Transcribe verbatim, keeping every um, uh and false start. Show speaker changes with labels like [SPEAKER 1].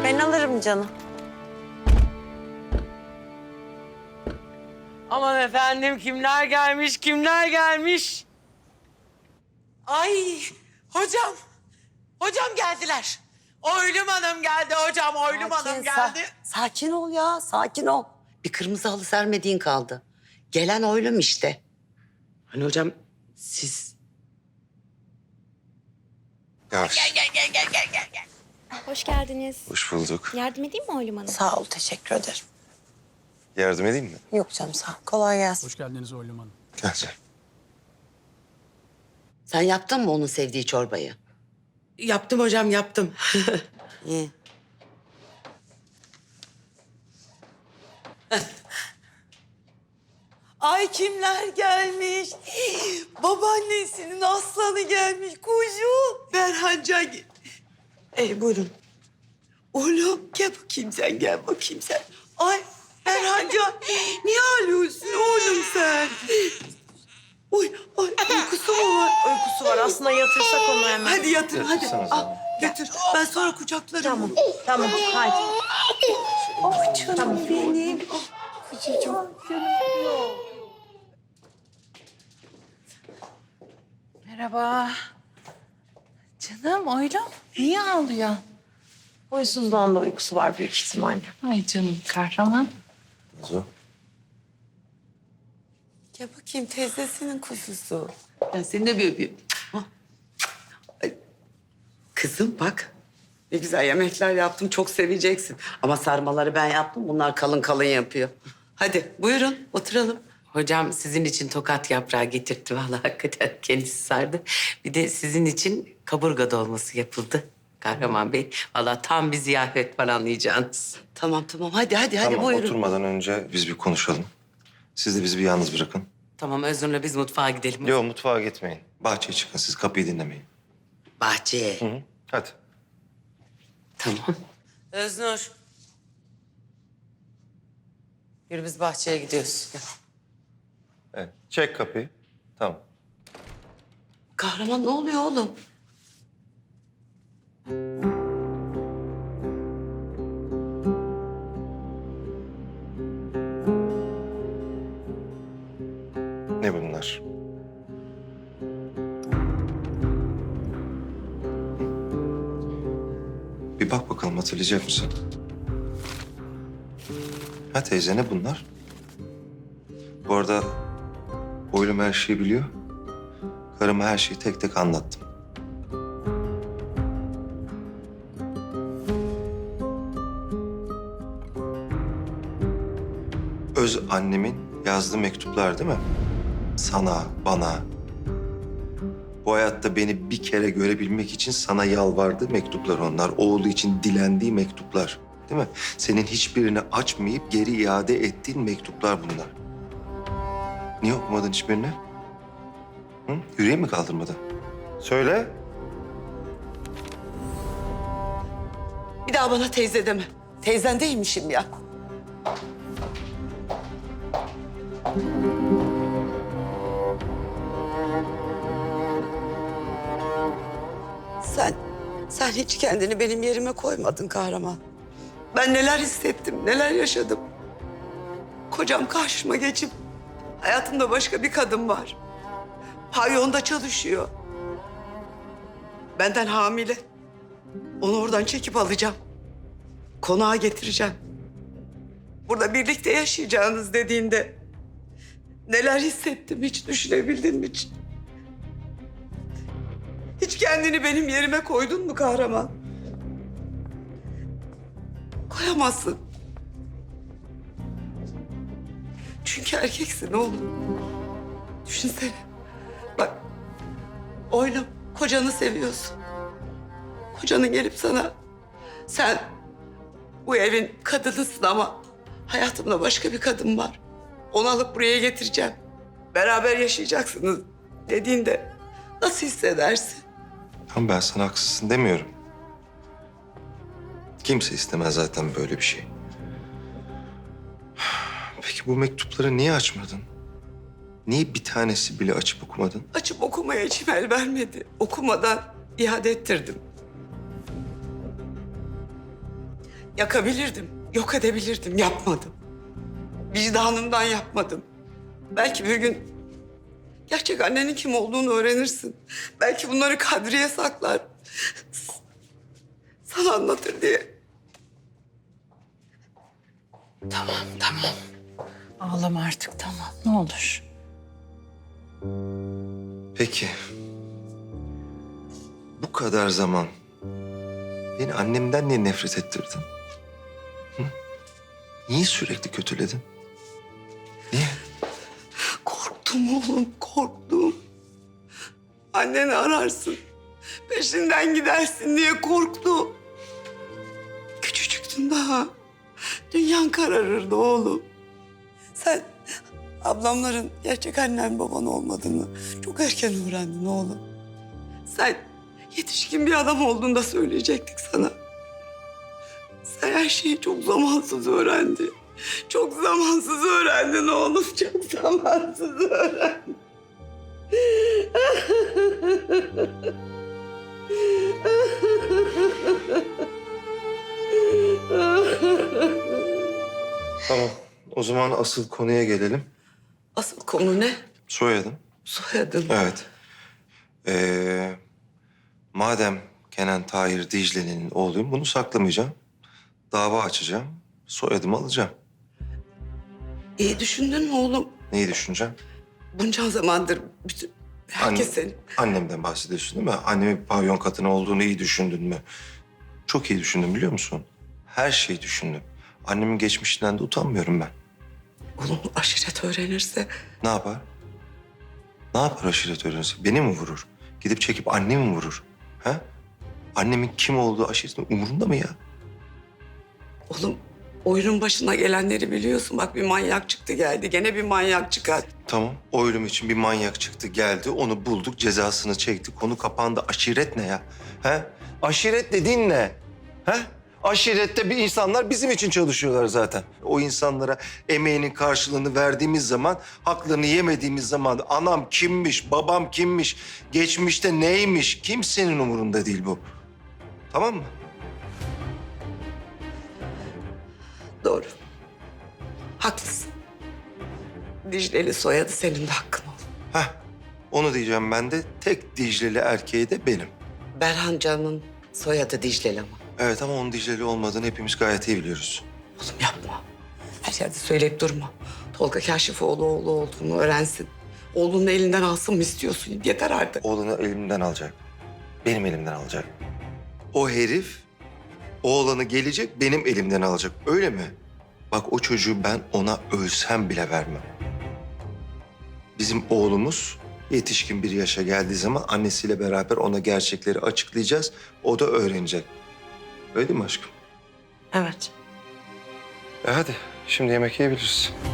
[SPEAKER 1] Ben alırım canım.
[SPEAKER 2] Aman efendim kimler gelmiş, kimler gelmiş? Ay hocam, hocam geldiler. Oylum Hanım geldi hocam, Oylum Hanım geldi.
[SPEAKER 3] sa- sakin ol ya, sakin ol. Bir kırmızı halı sermediğin kaldı. Gelen oylum işte.
[SPEAKER 2] Hani hocam siz...
[SPEAKER 4] Yavaş.
[SPEAKER 5] Hoş geldiniz.
[SPEAKER 4] Hoş bulduk.
[SPEAKER 5] Yardım edeyim mi Oylum Hanım?
[SPEAKER 1] Sağ ol, teşekkür ederim.
[SPEAKER 4] Yardım edeyim mi?
[SPEAKER 1] Yok canım, sağ ol. Kolay gelsin.
[SPEAKER 6] Hoş geldiniz Oylum Hanım.
[SPEAKER 4] Gel canım.
[SPEAKER 3] Sen yaptın mı onun sevdiği çorbayı?
[SPEAKER 2] Yaptım hocam, yaptım.
[SPEAKER 3] İyi.
[SPEAKER 1] Ay kimler gelmiş? Babaannesinin aslanı gelmiş kuzum. Berhancan gel. Ey buyurun. Oğlum gel bakayım sen, gel bakayım sen. Ay Berhancan, niye ağlıyorsun oğlum sen? Oy, ay uykusu mu var? Uykusu var. Aslında yatırsak onu hemen. Hadi yatır, hadi. Al, götür. Ben sonra kucaklarım. Tamam, tamam. Hadi. Oh canım benim. Oh, kucacığım.
[SPEAKER 7] Merhaba. Canım Oylum, niye ağlıyor?
[SPEAKER 1] Huysuzluğun da uykusu var büyük ihtimalle.
[SPEAKER 7] Ay canım kahraman.
[SPEAKER 4] Nazo.
[SPEAKER 1] Gel bakayım teyzesinin kuzusu.
[SPEAKER 3] Ben seni de bir öpeyim. Hah. Ay, kızım bak. Ne güzel yemekler yaptım. Çok seveceksin. Ama sarmaları ben yaptım. Bunlar kalın kalın yapıyor. Hadi buyurun oturalım.
[SPEAKER 2] Hocam sizin için tokat yaprağı getirtti vallahi hakikaten kendisi sardı. Bir de sizin için kaburga dolması yapıldı Kahraman Bey. Vallahi tam bir ziyafet var anlayacağınız.
[SPEAKER 3] Tamam tamam hadi hadi hadi
[SPEAKER 4] Tamam,
[SPEAKER 3] buyurun.
[SPEAKER 4] oturmadan önce biz bir konuşalım. Siz de bizi bir yalnız bırakın.
[SPEAKER 2] Tamam Özgür'le biz mutfağa gidelim.
[SPEAKER 4] Yok, mutfağa gitmeyin. Bahçeye çıkın. Siz kapıyı dinlemeyin.
[SPEAKER 3] Bahçeye.
[SPEAKER 4] Hı hı. Hadi.
[SPEAKER 3] Tamam.
[SPEAKER 2] Öznur. Yürü biz bahçeye gidiyoruz. Gel.
[SPEAKER 4] Evet. Çek kapıyı. Tamam.
[SPEAKER 3] Kahraman ne oluyor oğlum?
[SPEAKER 4] Ne bunlar? Bir bak bakalım, hatırlayacak mısın? Ha teyze, ne bunlar? Bu arada oylum her şeyi biliyor. Karıma her şeyi tek tek anlattım. Öz annemin yazdığı mektuplar değil mi? Sana, bana. Bu hayatta beni bir kere görebilmek için sana yalvardığı mektuplar onlar. Oğlu için dilendiği mektuplar. Değil mi? Senin hiçbirini açmayıp geri iade ettiğin mektuplar bunlar. Niye okumadın hiçbirini? Hı? Yüreğin mi kaldırmadı? Söyle.
[SPEAKER 3] Bir daha bana teyze deme. Teyzen değilmişim ya. Sen, sen hiç kendini benim yerime koymadın kahraman. Ben neler hissettim, neler yaşadım. Kocam karşıma geçip hayatımda başka bir kadın var. Pavyonda çalışıyor. Benden hamile. Onu oradan çekip alacağım. Konağa getireceğim. Burada birlikte yaşayacağınız dediğinde neler hissettim hiç düşünebildin mi hiç? Hiç kendini benim yerime koydun mu kahraman? Koyamazsın. Çünkü erkeksin oğlum. Düşünsene. Bak, oylum kocanı seviyorsun. Kocanın gelip sana sen bu evin kadınısın ama hayatımda başka bir kadın var. Onu alıp buraya getireceğim. Beraber yaşayacaksınız dediğinde nasıl hissedersin?
[SPEAKER 4] Ama ben sana haksızsın demiyorum. Kimse istemez zaten böyle bir şey. Peki bu mektupları niye açmadın? Niye bir tanesi bile açıp okumadın?
[SPEAKER 3] Açıp okumaya içim el vermedi. Okumadan iade ettirdim. Yakabilirdim, yok edebilirdim, yapmadım. Vicdanımdan yapmadım. Belki bir gün gerçek annenin kim olduğunu öğrenirsin. Belki bunları Kadriye saklar. Sana anlatır diye.
[SPEAKER 7] Tamam, tamam. Ağlama artık, tamam. Ne olur.
[SPEAKER 4] Peki. Bu kadar zaman beni annemden niye nefret ettirdin? Hı? Niye sürekli kötüledin? Niye?
[SPEAKER 3] Korktum oğlum, korktum. Anneni ararsın, peşinden gidersin diye korktum. Küçücüktün daha. Dünyan kararırdı oğlum. Sen ablamların gerçek annen baban olmadığını çok erken öğrendin oğlum. Sen yetişkin bir adam olduğunda söyleyecektik sana. Sen her şeyi çok zamansız öğrendin. Çok zamansız öğrendin oğlum, çok zamansız öğrendin.
[SPEAKER 4] Tamam. O zaman asıl konuya gelelim.
[SPEAKER 3] Asıl konu ne?
[SPEAKER 4] Soyadım.
[SPEAKER 3] Soyadın.
[SPEAKER 4] Evet. Ee, madem Kenan Tahir Dicle'nin oğluyum, bunu saklamayacağım. Dava açacağım. Soyadımı alacağım.
[SPEAKER 3] İyi düşündün mü oğlum?
[SPEAKER 4] Neyi düşüneceğim?
[SPEAKER 3] Bunca zamandır bütün herkes
[SPEAKER 4] Anne-
[SPEAKER 3] seni...
[SPEAKER 4] Annemden bahsediyorsun değil mi? Annemin pavyon kadını olduğunu iyi düşündün mü? Çok iyi düşündüm biliyor musun? Her şeyi düşündüm. Annemin geçmişinden de utanmıyorum ben.
[SPEAKER 3] Oğlum aşiret öğrenirse...
[SPEAKER 4] Ne yapar? Ne yapar aşiret öğrenirse? Beni mi vurur? Gidip çekip annemi mi vurur? Ha? Annemin kim olduğu aşiretin umurunda mı ya?
[SPEAKER 3] Oğlum oyunun başına gelenleri biliyorsun. Bak bir manyak çıktı geldi. Gene bir manyak çıkar.
[SPEAKER 4] Tamam. O ölüm için bir manyak çıktı geldi. Onu bulduk, cezasını çekti. Konu kapandı. Aşiret ne ya? He? Aşiret dediğin ne? He? Aşirette bir insanlar bizim için çalışıyorlar zaten. O insanlara emeğinin karşılığını verdiğimiz zaman, haklarını yemediğimiz zaman anam kimmiş, babam kimmiş, geçmişte neymiş kimsenin umurunda değil bu. Tamam mı?
[SPEAKER 3] Doğru. Haklısın. Dicle'li soyadı senin de hakkın oğlum.
[SPEAKER 4] Heh. Onu diyeceğim ben de. Tek Dicle'li erkeği de benim.
[SPEAKER 3] Berhan Can'ın soyadı Dicle'li ama.
[SPEAKER 4] Evet ama onun Dicle'li olmadığını hepimiz gayet iyi biliyoruz.
[SPEAKER 3] Oğlum yapma. Her yerde söyleyip durma. Tolga Kaşifoğlu oğlu olduğunu öğrensin. Oğlunun elinden alsın mı istiyorsun? Yeter artık.
[SPEAKER 4] Oğlunu elimden alacak. Benim elimden alacak. O herif oğlanı gelecek benim elimden alacak. Öyle mi? Bak o çocuğu ben ona ölsem bile vermem. Bizim oğlumuz yetişkin bir yaşa geldiği zaman annesiyle beraber ona gerçekleri açıklayacağız. O da öğrenecek. Öyle değil mi aşkım?
[SPEAKER 3] Evet.
[SPEAKER 4] E hadi şimdi yemek yiyebiliriz.